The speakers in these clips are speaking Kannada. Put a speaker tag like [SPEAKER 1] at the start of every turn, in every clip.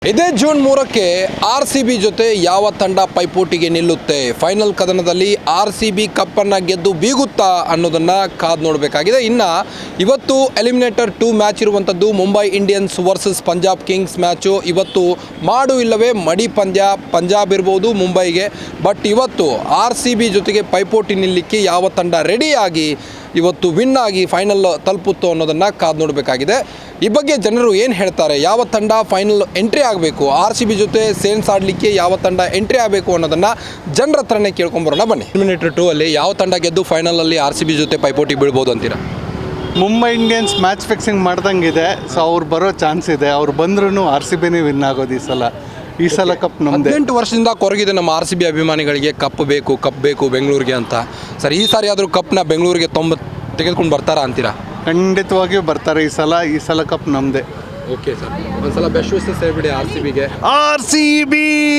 [SPEAKER 1] ಇದೇ ಜೂನ್ 3ಕ್ಕೆ RCB ಜೊತೆ ಯಾವ ತಂಡ ಪೈಪೋಟಿಗೆ ನಿಲ್ಲುತ್ತೆ, ಫೈನಲ್ ಕದನದಲ್ಲಿ RCB ಕಪ್ಪನ್ನು ಗೆದ್ದು ಬೀಗುತ್ತಾ ಅನ್ನೋದನ್ನು ಕಾದು ನೋಡಬೇಕಾಗಿದೆ. ಇನ್ನು ಇವತ್ತು ಎಲಿಮಿನೇಟರ್ 2 ಮ್ಯಾಚ್ ಇರುವಂಥದ್ದು Mumbai Indians versus Punjab Kings match. ಇವತ್ತು ಮಾಡು ಇಲ್ಲವೇ ಮಡಿ ಪಂದ್ಯ, ಪಂಜಾಬ್ ಇರ್ಬೋದು ಮುಂಬೈಗೆ. ಬಟ್ ಇವತ್ತು RCB ಜೊತೆಗೆ ಪೈಪೋಟಿ ನಿಲ್ಲಲಿಕ್ಕೆ ಯಾವ ತಂಡ ರೆಡಿಯಾಗಿ ಇವತ್ತು ವಿನ್ ಆಗಿ ಫೈನಲ್ ತಲುಪುತ್ತೋ ಅನ್ನೋದನ್ನು ಕಾದು ನೋಡಬೇಕಾಗಿದೆ. ಈ ಬಗ್ಗೆ ಜನರು ಏನು ಹೇಳ್ತಾರೆ, ಯಾವ ತಂಡ ಫೈನಲ್ ಎಂಟ್ರಿ ಆಗಬೇಕು, RCB ಜೊತೆ ಸೇನ್ಸ್ ಆಡಲಿಕ್ಕೆ ಯಾವ ತಂಡ ಎಂಟ್ರಿ ಆಗಬೇಕು ಅನ್ನೋದನ್ನು ಜನರ ಹತ್ರನೇ ಕೇಳ್ಕೊಂಬರೋಣ ಬನ್ನಿ. ಎಲಿಮಿನೇಟರ್ 2 ಅಲ್ಲಿ ಯಾವ ತಂಡ ಗೆದ್ದು ಫೈನಲಲ್ಲಿ RCB ಜೊತೆ ಪೈಪೋಟಿ ಬೀಳ್ಬೋದು ಅಂತೀರಾ?
[SPEAKER 2] ಮುಂಬೈ ಇಂಡಿಯನ್ಸ್ ಮ್ಯಾಚ್ ಫಿಕ್ಸಿಂಗ್ ಮಾಡ್ದಂಗಿದೆ. ಸೊ ಅವ್ರು ಬರೋ ಚಾನ್ಸ್ ಇದೆ. ಅವ್ರು ಬಂದ್ರೂ RCBನೇ ವಿನ್ ಆಗೋದು ಈ ಸಲ ಕಪ್ ನಮ್ಮದೇ.
[SPEAKER 1] 18 ವರ್ಷದಿಂದ ಕೊರಗಿದೆ ನಮ್ಮ RCB ಅಭಿಮಾನಿಗಳಿಗೆ, ಕಪ್ ಬೇಕು ಬೆಂಗಳೂರಿಗೆ ಅಂತ. ಸರ್, ಈ ಸಾರಿ ಆದರೂ ಕಪ್ನ ಬೆಂಗಳೂರಿಗೆ ತೆಗೆದುಕೊಂಡು ಬರ್ತಾರಾ ಅಂತೀರಾ?
[SPEAKER 2] ಖಂಡಿತವಾಗಿಯೂ ಬರ್ತಾರೆ. ಈ ಸಲ ಕಪ್ ನಮ್ಮದೇ.
[SPEAKER 1] ಓಕೆ ಸರ್, ಒಂದ್ಸಲ ಬೆಸ್ಟ್ ವಿಶಸ್ ಹೇಳ್ಬಿಡಿ RCBಗೆ.
[SPEAKER 2] RCB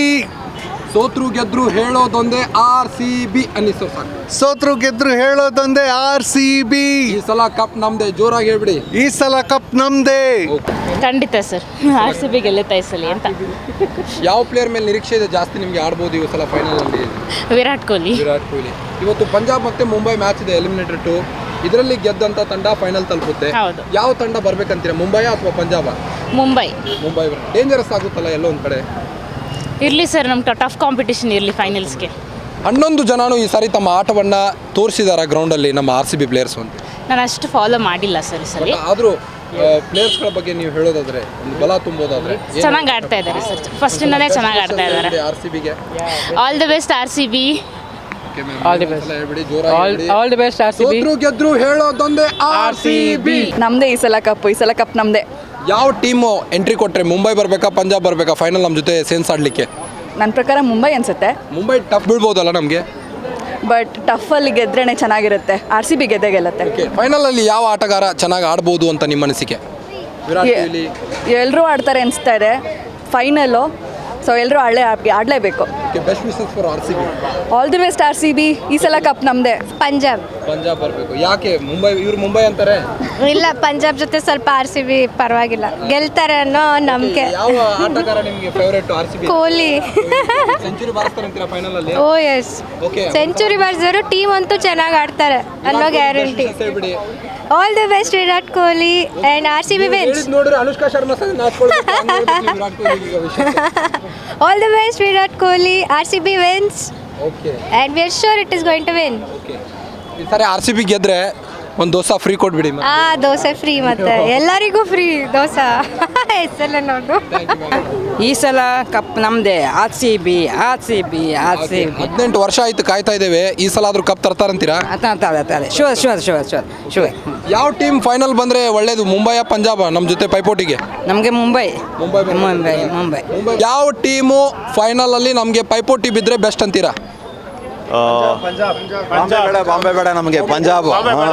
[SPEAKER 1] ಸೋತ್ರು ಗೆದ್ರು ಹೇಳೋದೊಂದೇ RCB ಅನ್ನಿಸೋ ಸಾಕು.
[SPEAKER 2] ಸೋತ್ರು ಗೆದ್ರು ಹೇಳೋದೊಂದೇ RCB.
[SPEAKER 1] ಈ ಸಲ ಕಪ್ ನಮ್ದೇ, ಜೋರಾಗಿ ಹೇಳ್ಬಿಡಿ.
[SPEAKER 2] ಈ ಸಲ ಕಪ್ ನಮ್ಮದೇ.
[SPEAKER 3] ಖಂಡಿತ ಸರ್, RCB ಗೆಲ್ಲುತ್ತಾ ಈ ಸಲ ಅಂತ.
[SPEAKER 1] ಯಾವ ಪ್ಲೇಯರ್ ಮೇಲೆ ನಿರೀಕ್ಷೆ ಇದೆ ಜಾಸ್ತಿ ನಿಮಗೆ ಆಡ್ಬೋದು ಈ ಸಲ ಫೈನಲ್ ಅಲ್ಲಿ?
[SPEAKER 3] ವಿರಾಟ್ ಕೊಹ್ಲಿ.
[SPEAKER 1] ಇವತ್ತು ಪಂಜಾಬ್ ಮತ್ತೆ ಮುಂಬೈ ಮ್ಯಾಚ್ ಇದೆ, ಎಲಿಮಿನೇಟರ್ 2. ಇದರಲ್ಲಿ ಗೆದ್ದಂತ ತಂಡ ಫೈನಲ್ ತಲುಪುತ್ತೆ.
[SPEAKER 3] ಹೌದು.
[SPEAKER 1] ಯಾವ ತಂಡ ಬರ್ಬೇಕಂತೀರಾ, ಮುಂಬೈ ಅಥವಾ ಪಂಜಾಬ?
[SPEAKER 3] ಮುಂಬೈ
[SPEAKER 1] ಡೇಂಜರಸ್ ಆಗುತ್ತಲ್ಲ ಎಲ್ಲೋ ಒಂದು ಕಡೆ.
[SPEAKER 3] ಇರಲಿ ಸರ್, ನಮ್ಮ ಟಫ್ ಕಾಂಪಿಟೇಷನ್ ಇರಲಿ ಫೈನಲ್ಸ್ಗೆ.
[SPEAKER 1] 11 ಜನನು ಈ ಸಾರಿ ತಮ್ಮ ಆಟವನ್ನು ತೋರಿಸಿದಾರ ಗ್ರೌಂಡಲ್ಲಿ ನಮ್ಮ RCB ಪ್ಲೇಯರ್ಸ್ ಅಂತ.
[SPEAKER 3] ನಾನು ಅಷ್ಟು ಫಾಲೋ ಮಾಡಿಲ್ಲ ಸರ್ ಈ ಸಲ.
[SPEAKER 1] ಆದರೂ ಪ್ಲೇಯರ್ಸ್ಗಳ ಬಗ್ಗೆ ನೀವು ಹೇಳೋದಾದ್ರೆ, ಒಂದು ಬಲ ತುಂಬೋದಾದ್ರೆ
[SPEAKER 3] ಚೆನ್ನಾಗಿ ಆಡ್ತಾ ಇದ್ದಾರೆ ಸರ್, ಫಸ್ಟಿಂದನೇ ಚೆನ್ನಾಗಿ ಆಡ್ತಾ ಇದ್ದಾರೆ.
[SPEAKER 1] RCBಗೆ
[SPEAKER 3] all the best RCB.
[SPEAKER 1] All the best ಹೇಳ್ಬಿಡಿ, ಜೋರಾಗಿ
[SPEAKER 4] ಆಲ್ ದಿ ಬೆಸ್ಟ್ RCB.
[SPEAKER 1] ಸೋತ್ರು ಗೆದ್ರು ಹೇಳೋದೊಂದೇ RCB.
[SPEAKER 4] ನಮ್ದೇ ಈ ಸಲ ಕಪ್ ನಮ್ದೇ.
[SPEAKER 1] ಯಾವ ಟೀಮು ಎಂಟ್ರಿ ಕೊಟ್ಟರೆ ಮುಂಬೈ ಬರಬೇಕಾ ಪಂಜಾಬ್ ಬರಬೇಕಾ ಫೈನಲ್ ನಮ್ಮ ಜೊತೆ ಸೇನ್ಸ್ ಆಡಲಿಕ್ಕೆ?
[SPEAKER 4] ನನ್ನ ಪ್ರಕಾರ ಮುಂಬೈ ಅನ್ಸುತ್ತೆ.
[SPEAKER 1] ಮುಂಬೈ ಟಫ್ ಬೀಳ್ಬೋದಲ್ಲ ನಮಗೆ,
[SPEAKER 4] ಬಟ್ ಟಫಲ್ಲಿ ಗೆದ್ರೇನೆ ಚೆನ್ನಾಗಿರುತ್ತೆ. RCB ಗೆಲ್ಲತ್ತೆ.
[SPEAKER 1] ಓಕೆ, ಫೈನಲಲ್ಲಿ ಯಾವ ಆಟಗಾರ ಚೆನ್ನಾಗಿ ಆಡ್ಬೋದು ಅಂತ ನಿಮ್ಮ ಅನಿಸಿಕೆ? ವಿರಾಟ್ ಕೊಹ್ಲಿ
[SPEAKER 4] ಎಲ್ಲರೂ ಆಡ್ತಾರೆ ಅನಿಸ್ತಾ ಇದೆ ಫೈನಲ್ಲು. ಸೊ ಎಲ್ಲರೂ ಆಡಲೇಬೇಕು.
[SPEAKER 1] Okay, best wishes for RCB.
[SPEAKER 4] All the best RCB. ಈ ಸಲ ಕಪ್ ನಮ್ಮದೇ.
[SPEAKER 5] ಪಂಜಾಬ್
[SPEAKER 1] ಬರಬೇಕು. ಯಾಕೆ ಮುಂಬೈ ಅಂತಾರೆ?
[SPEAKER 5] ಇಲ್ಲ, ಪಂಜಾಬ್ ಜೊತೆ ಸ್ವಲ್ಪ RCB ಪರವಾಗಿಲ್ಲ, ಗೆಲ್ತಾರೆ ಅನ್ನೋ ನಂಬಿಕೆ.
[SPEAKER 1] ಯಾವ ಆಟಗಾರ ನಿಮಗೆ ಫೇವರೇಟ್ RCB?
[SPEAKER 5] ಕೊಹ್ಲಿ.
[SPEAKER 1] ಸೆಂಚುರಿ ಬಾರಿಸ್ತಾರೆ ಅಂತೀರಾ ಫೈನಲ್ ಅಲ್ಲಿ?
[SPEAKER 5] ಓ ಎಸ್,
[SPEAKER 1] ಓಕೆ,
[SPEAKER 5] ಸೆಂಚುರಿ ಬಾರಿಸಿದ್ರು ಟೀಮ್ ಅಂತೂ ಚೆನ್ನಾಗಿ ಆಡ್ತಾರೆ ಅನ್ನೋ ಗ್ಯಾರಂಟಿ.
[SPEAKER 1] ಹೇಳ್ಬಿಡಿ.
[SPEAKER 5] All the best Virat Kohli and RCB wins.
[SPEAKER 1] ನೋಡ್ರಿ, ಅನುಷ್ಕಾ ಶರ್ಮಾ ಸಹ Virat Kohli
[SPEAKER 5] all the best Virat Kohli, RCB wins
[SPEAKER 1] okay,
[SPEAKER 5] and we are sure it is going to win.
[SPEAKER 1] Okay, ಈ ಸಾರಿ RCB ಗೆದ್ರೆ ಒಂದು ದೋಸೆ ಫ್ರೀ ಕೊಟ್ಬಿಡಿ.
[SPEAKER 5] ದೋಸೆ ಫ್ರೀ, ಮತ್ತೆ ಎಲ್ಲರಿಗೂ ಫ್ರೀ ದೋಸೆ. ಹೆಸರಲ್ಲ ನೋಡು.
[SPEAKER 4] ಈ ಸಲ ಕಪ್ ನಮ್ಮದೇ. RCB.
[SPEAKER 1] 18 ವರ್ಷ ಆಯ್ತು ಕಾಯ್ತಾ ಇದ್ದೇವೆ, ಈ ಸಲ ಆದ್ರೂ ಕಪ್ ತರ್ತಾರಂತೀರಾ?
[SPEAKER 4] ಶೂರ್.
[SPEAKER 1] ಯಾವ ಟೀಮ್ ಫೈನಲ್ ಬಂದ್ರೆ ಒಳ್ಳೇದು, ಮುಂಬೈ ಪಂಜಾಬ್ ನಮ್ಮ ಜೊತೆ ಪೈಪೋಟಿಗೆ?
[SPEAKER 4] ನಮಗೆ ಮುಂಬೈ.
[SPEAKER 1] ಯಾವ ಟೀಮು ಫೈನಲ್ ಅಲ್ಲಿ ನಮಗೆ ಪೈಪೋಟಿ ಬಿದ್ರೆ ಬೆಸ್ಟ್ ಅಂತೀರಾ?
[SPEAKER 6] ಬಾಂಬೆ ಬೇಡ ನಮಗೆ, ಪಂಜಾಬ್.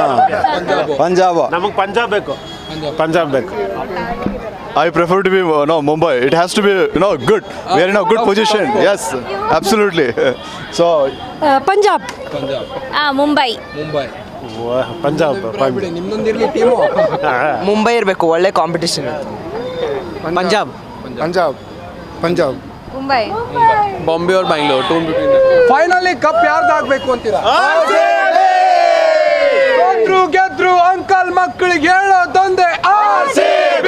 [SPEAKER 7] ನಮಗೆ ಪಂಜಾಬ್ ಬೇಕು.
[SPEAKER 6] I prefer to be Mumbai. It has to be good. We are in a good position. Yes, absolutely. So
[SPEAKER 5] Punjab. Mumbai.
[SPEAKER 7] Punjab.
[SPEAKER 1] ನಿಮ್ದೊಂದಿರ್ಲಿ ಟೀಮು.
[SPEAKER 8] ಮುಂಬೈ ಇರಬೇಕು, ಒಳ್ಳೆ ಕಾಂಪಿಟೇಷನ್. ಪಂಜಾಬ್.
[SPEAKER 5] ಮುಂಬೈ.
[SPEAKER 1] ಬಾಂಬೆ और बैंगलोर ಫೈನಲಿ ಕಪ್ ಯಾರ್ದಾಗಬೇಕು ಅಂತೀರಾ? ಸೋತ್ರು ಗೆದ್ರು ಅಂಕಲ್ ಮಕ್ಕಳಿಗೆ ಹೇಳೋದೊಂದೇ RCB.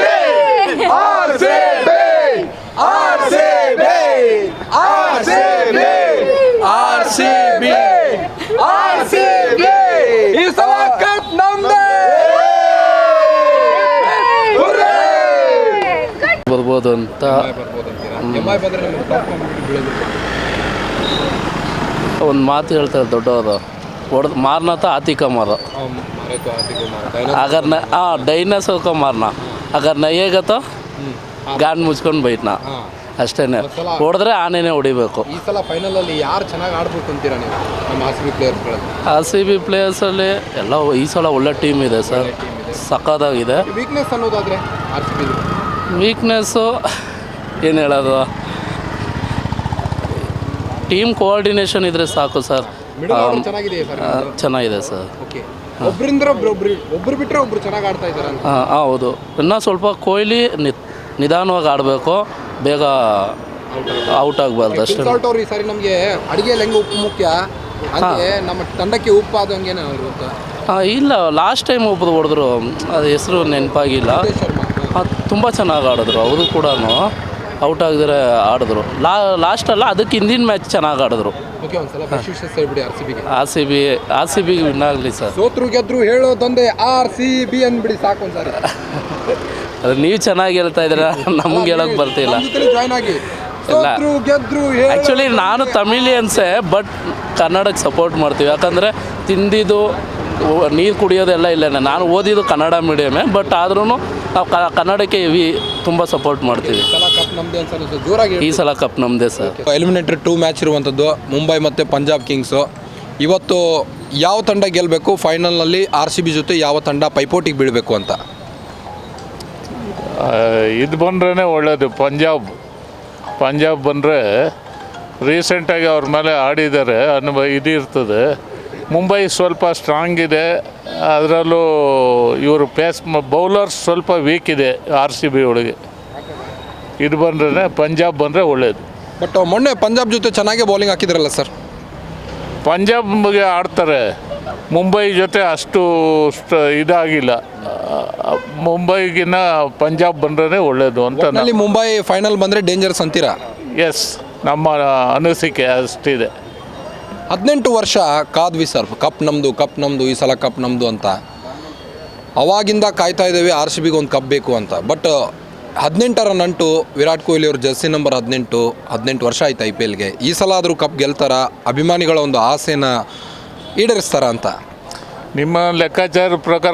[SPEAKER 1] ಈ ಸಲ ಕಪ್ ನಮ್ದೇ.
[SPEAKER 9] ಬರ್ಬೋದು ಅಂತ ಒಂದು ಮಾತು ಹೇಳ್ತಾರೆ ದೊಡ್ಡವರು, ಹೊಡೆದು ಮಾರ್ನತ ಆತಿಕ ಮಾರ. ಅಗರ್ ಡೈನೋಸರ್ ಕೋ ಮಾರ್ನ, ಅಗರ್ ನಯ್ಯೇಗ ತೋ ಗಾನ್ ಮುಚ್ಕೊಂಡು ಬೈಟ್ನಾ. ಅಷ್ಟೇನೆ, ಹೊಡೆದ್ರೆ ಆನೆನೇ ಹೊಡಿಬೇಕು.
[SPEAKER 1] ಈ ಸಲ ಫೈನಲ್ ಅಲ್ಲಿ ಯಾರು ಚೆನ್ನಾಗಿ ಆಡ್ಬೇಕು ಅಂತೀರಾ ನೀವು ನಮ್ಮ RCB
[SPEAKER 9] ಪ್ಲೇಯರ್ಸಲ್ಲಿ ಎಲ್ಲ ಈ ಸಲ ಒಳ್ಳೆ ಟೀಮ್ ಇದೆ ಸರ್, ಸಖತ್ತಾಗಿದೆ.
[SPEAKER 1] ವೀಕ್ನೆಸ್ ಅನ್ನೋದಾದ್ರೆ RCB
[SPEAKER 9] ವೀಕ್ನೆಸ್ಸು ಏನು ಹೇಳೋದು, ಟೀಮ್ ಕೋಆರ್ಡಿನೇಷನ್ ಇದ್ರೆ ಸಾಕು ಸರ್. ಚೆನ್ನಾಗಿದೆ ಸರ್.
[SPEAKER 1] ಒಬ್ರು ಬಿಟ್ಟರೆ ಒಬ್ರು ಚೆನ್ನಾಗಿ ಆಡ್ತಾ ಇದ್ದಾರೆ.
[SPEAKER 9] ಹೌದು, ಇನ್ನೂ ಸ್ವಲ್ಪ ಕೊಹ್ಲಿ ನಿಧಾನವಾಗಿ ಆಡಬೇಕು. ಬೇಗ ಔಟ್ ಆಗಬಾರ್ದು ಅಷ್ಟೇ.
[SPEAKER 1] ಸಾಲ್ಟ್ ಅವ್ರು ಈ ಸಾರಿ ನಮಗೆ ಅಡಿಗೆಯಲ್ಲಿ ಹೆಂಗೆ ಉಪ್ಪು ಮುಖ್ಯ ಹಂಗೆ ನಮ್ಮ ತಂಡಕ್ಕೆ ಉಪ್ಪು ಆದಂಗೇನೆ ಇರುತ್ತೆ.
[SPEAKER 9] ಇಲ್ಲ, ಲಾಸ್ಟ್ ಟೈಮ್ ಒಬ್ಬರು ಹೊಡೆದ್ರು, ಅದು ಹೆಸರು ನೆನಪಾಗಿಲ್ಲ. ತುಂಬ ಚೆನ್ನಾಗಿ ಆಡಿದ್ರು, ಅವರು ಕೂಡ ಔಟ್ ಆಗದಿರ ಆಡಿದ್ರು. ಲಾಸ್ಟಲ್ಲ, ಅದಕ್ಕೆ ಹಿಂದಿನ ಮ್ಯಾಚ್ ಚೆನ್ನಾಗಿ ಆಡಿದ್ರು.
[SPEAKER 1] ಓಕೆ, ಒಂದ್ಸಲ ಬೆಸ್ಟ್ ವಿಶಸ್ ಹೇಳ್ಬಿಡಿ
[SPEAKER 9] ಆರ್ ಸಿ ಬಿಗೆ ವಿನ್ ಆಗಲಿ ಸರ್.
[SPEAKER 1] ಸೋತ್ರು ಗೆದ್ರು ಹೇಳೋದೊಂದೇ RCB ಅಂದ್ಬಿಡಿ ಸಾಕು ಒಂದ್ಸಾರಿ.
[SPEAKER 9] ಅದು ನೀವು ಚೆನ್ನಾಗಿ ಹೇಳ್ತಾ ಇದ್ದೀರಾ, ನಮ್ಗೆ ಹೇಳೋಕೆ ಬರ್ತಿಲ್ಲ.
[SPEAKER 1] ಜಾಯ್ನ್ ಆಗಿ
[SPEAKER 9] ಇಲ್ಲ,
[SPEAKER 1] ಸೋತ್ರು ಗೆದ್ರು
[SPEAKER 9] ಆ್ಯಕ್ಚುಲಿ ನಾನು ತಮಿಳಿಯನ್ಸೇ, ಬಟ್ ಕನ್ನಡಕ್ಕೆ ಸಪೋರ್ಟ್ ಮಾಡ್ತೀವಿ. ಯಾಕಂದರೆ ತಿಂದಿದ್ದು ನೀರು ಕುಡಿಯೋದೆಲ್ಲ ಇಲ್ಲೇನೆ. ನಾನು ಓದಿದ್ದು ಕನ್ನಡ ಮೀಡಿಯಮೇ, ಬಟ್ ಆದ್ರೂ ನಾವು ಕನ್ನಡಕ್ಕೆ ತುಂಬ ಸಪೋರ್ಟ್ ಮಾಡ್ತೀವಿ.
[SPEAKER 1] ಕಪ್ ನಮ್ದೇ ಅನ್ಸಲ್ಲ ಜೋರಾಗಿ.
[SPEAKER 9] ಈ ಸಲ ಕಪ್ ನಮ್ಮದೇ ಸರ್.
[SPEAKER 1] ಎಲಿಮಿನೇಟರ್ 2 ಮ್ಯಾಚ್ ಇರುವಂಥದ್ದು ಮುಂಬೈ ಮತ್ತು ಪಂಜಾಬ್ ಕಿಂಗ್ಸು. ಇವತ್ತು ಯಾವ ತಂಡ ಗೆಲ್ಲಬೇಕು ಫೈನಲ್ನಲ್ಲಿ? RCB ಜೊತೆ ಯಾವ ತಂಡ ಪೈಪೋಟಿಗೆ ಬೀಳಬೇಕು ಅಂತ?
[SPEAKER 10] ಇದು ಬಂದ್ರೇ ಒಳ್ಳೆಯದು. ಪಂಜಾಬ್ ಬಂದರೆ ರೀಸೆಂಟಾಗಿ ಅವ್ರ ಮೇಲೆ ಆಡಿದ್ದಾರೆ ಅನ್ನೋ ಇದಿರ್ತದೆ. ಮುಂಬೈ ಸ್ವಲ್ಪ ಸ್ಟ್ರಾಂಗ್ ಇದೆ, ಅದರಲ್ಲೂ ಇವರು ಬೌಲರ್ಸ್ ಸ್ವಲ್ಪ ವೀಕ್ ಇದೆ RCB ಒಳಗೆ. ಇದು ಬಂದ್ರೆ ಪಂಜಾಬ್ ಬಂದರೆ ಒಳ್ಳೆಯದು.
[SPEAKER 1] ಬಟ್ ಮೊನ್ನೆ ಪಂಜಾಬ್ ಜೊತೆ ಚೆನ್ನಾಗೇ ಬೌಲಿಂಗ್ ಹಾಕಿದ್ರಲ್ಲ ಸರ್?
[SPEAKER 10] ಪಂಜಾಬ್ಗೆ ಆಡ್ತಾರೆ, ಮುಂಬೈ ಜೊತೆ ಅಷ್ಟು ಇದಾಗಿಲ್ಲ. ಮುಂಬೈಗಿನ್ನ ಪಂಜಾಬ್ ಬಂದ್ರೆ ಒಳ್ಳೆಯದು ಅಂತ.
[SPEAKER 1] ಅಲ್ಲಿ ಮುಂಬೈ ಫೈನಲ್ ಬಂದರೆ ಡೇಂಜರಸ್ ಅಂತೀರಾ?
[SPEAKER 10] ಎಸ್, ನಮ್ಮ ಅನಿಸಿಕೆ ಅಷ್ಟಿದೆ.
[SPEAKER 1] 18 ವರ್ಷ ಕಾದ್ವಿ ಸರ್, ಕಪ್ ನಮ್ಮದು ಈ ಸಲ ಕಪ್ ನಮ್ಮದು ಅಂತ. ಅವಾಗಿಂದ ಕಾಯ್ತಾ ಇದ್ದೇವೆ RCBಗೆ ಒಂದು ಕಪ್ ಬೇಕು ಅಂತ. ಬಟ್ 18ರ ನಂಟು ವಿರಾಟ್ ಕೊಹ್ಲಿ ಅವ್ರ ಜರ್ಸಿ ನಂಬರ್ 18 ವರ್ಷ ಆಯ್ತು IPLಗೆ. ಈ ಸಲ ಆದರೂ ಕಪ್ ಗೆಲ್ತಾರ? ಅಭಿಮಾನಿಗಳ ಒಂದು ಆಸೆನ ಈಡೇರಿಸ್ತಾರ ಅಂತ?
[SPEAKER 10] ನಿಮ್ಮ ಲೆಕ್ಕಾಚಾರ ಪ್ರಕಾರ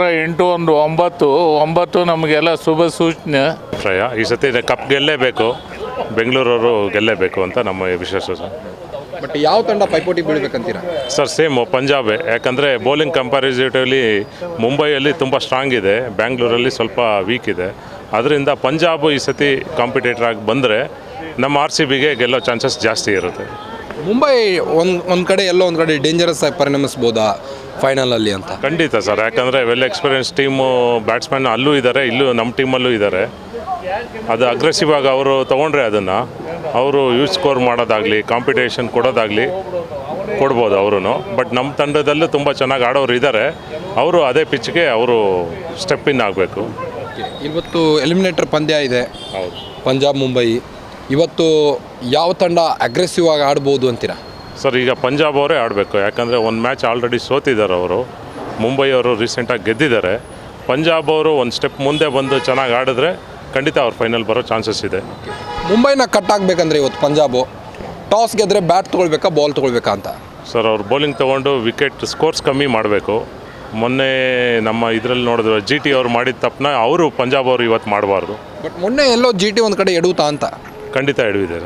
[SPEAKER 10] 8-1-9 ನಮಗೆಲ್ಲ ಶುಭ ಸೂಚನೆ.
[SPEAKER 7] ಈ ಸತಿ ಕಪ್ ಗೆಲ್ಲೇಬೇಕು, ಬೆಂಗಳೂರವರು ಗೆಲ್ಲೇಬೇಕು ಅಂತ ನಮ್ಮ ವಿಶ್ವಾಸ ಸರ್.
[SPEAKER 1] ಬಟ್ ಯಾವ ತಂಡ ಪೈಪೋಟಿ ಬೀಳ್ಬೇಕಂತೀರಾ?
[SPEAKER 7] ಸರ್ ಸೇಮ್ ಪಂಜಾಬೇ, ಯಾಕಂದರೆ ಬೌಲಿಂಗ್ ಕಂಪ್ಯಾರಿಸಿಟಿವ್ಲಿ ಮುಂಬೈಯಲ್ಲಿ ತುಂಬ ಸ್ಟ್ರಾಂಗ್ ಇದೆ, ಬ್ಯಾಂಗ್ಳೂರಲ್ಲಿ ಸ್ವಲ್ಪ ವೀಕ್ ಇದೆ. ಅದರಿಂದ ಪಂಜಾಬ್ ಈ ಸತಿ ಕಾಂಪಿಟೇಟರ್ ಆಗಿ ಬಂದರೆ ನಮ್ಮ RCBಗೆ ಗೆಲ್ಲೋ ಚಾನ್ಸಸ್ ಜಾಸ್ತಿ ಇರುತ್ತೆ.
[SPEAKER 1] ಮುಂಬೈ ಒಂದು ಕಡೆ ಎಲ್ಲೋ ಒಂದು ಕಡೆ ಡೇಂಜರಸ್ ಆಗಿ ಪರಿಣಮಿಸ್ಬೋದಾ ಫೈನಲಲ್ಲಿ ಅಂತ?
[SPEAKER 7] ಖಂಡಿತ ಸರ್, ಯಾಕಂದರೆ ವೆಲ್ ಎಕ್ಸ್ಪೀರಿಯನ್ಸ್ ಟೀಮು ಬ್ಯಾಟ್ಸ್ಮನ್ ಅಲ್ಲೂ ಇದ್ದಾರೆ, ಇಲ್ಲೂ ನಮ್ಮ ಟೀಮಲ್ಲೂ ಇದ್ದಾರೆ. ಅದು ಅಗ್ರೆಸಿವ್ ಆಗಿ ಅವರು ತೊಗೊಂಡ್ರೆ ಅದನ್ನು ಅವರು ಯೂಸ್ ಸ್ಕೋರ್ ಮಾಡೋದಾಗಲಿ ಕಾಂಪಿಟೇಷನ್ ಕೊಡೋದಾಗಲಿ ಕೊಡ್ಬೋದು ಅವರು. ಬಟ್ ನಮ್ಮ ತಂಡದಲ್ಲೂ ತುಂಬ ಚೆನ್ನಾಗಿ ಆಡೋರು ಇದ್ದಾರೆ, ಅವರು ಅದೇ ಪಿಚ್ಗೆ ಅವರು ಸ್ಟೆಪ್ ಇನ್ ಆಗಬೇಕು.
[SPEAKER 1] ಇವತ್ತು ಎಲಿಮಿನೇಟರ್ ಪಂದ್ಯ ಇದೆ,
[SPEAKER 7] ಹೌದು,
[SPEAKER 1] ಪಂಜಾಬ್ ಮುಂಬೈ. ಇವತ್ತು ಯಾವ ತಂಡ ಅಗ್ರೆಸಿವ್ ಆಗಿ ಆಡ್ಬೋದು ಅಂತೀರಾ?
[SPEAKER 7] ಸರ್ ಈಗ ಪಂಜಾಬ್ ಅವರೇ ಆಡಬೇಕು, ಯಾಕಂದರೆ ಒಂದು ಮ್ಯಾಚ್ ಆಲ್ರೆಡಿ ಸೋತಿದ್ದಾರೆ ಅವರು. ಮುಂಬೈ ಅವರು ರೀಸೆಂಟಾಗಿ ಗೆದ್ದಿದ್ದಾರೆ. ಪಂಜಾಬ್ ಅವರು ಒಂದು ಸ್ಟೆಪ್ ಮುಂದೆ ಬಂದು ಚೆನ್ನಾಗಿ ಆಡಿದ್ರೆ ಖಂಡಿತ ಅವ್ರು ಫೈನಲ್ ಬರೋ ಚಾನ್ಸಸ್ ಇದೆ.
[SPEAKER 1] ಮುಂಬೈನ ಕಟ್ ಆಗಬೇಕಂದ್ರೆ ಇವತ್ತು ಪಂಜಾಬು ಟಾಸ್ ಗೆದ್ರೆ ಬ್ಯಾಟ್ ತೊಗೊಳ್ಬೇಕಾ ಬಾಲ್ ತೊಗೊಳ್ಬೇಕಾ ಅಂತ?
[SPEAKER 7] ಸರ್ ಅವ್ರು ಬೌಲಿಂಗ್ ತೊಗೊಂಡು ವಿಕೆಟ್ ಸ್ಕೋರ್ಸ್ ಕಮ್ಮಿ ಮಾಡಬೇಕು. ಮೊನ್ನೆ ನಮ್ಮ ಇದರಲ್ಲಿ ನೋಡಿದ್ರು GT ಅವ್ರು ಮಾಡಿದ ತಪ್ಪನ್ನ ಅವರು ಪಂಜಾಬ್ ಅವರು ಇವತ್ತು ಮಾಡಬಾರ್ದು.
[SPEAKER 1] ಬಟ್ ಮೊನ್ನೆ ಎಲ್ಲೋ GT ಒಂದು ಕಡೆ ಎಡುತ್ತಾ ಅಂತ?
[SPEAKER 7] ಖಂಡಿತ ಎಡವಿದೆ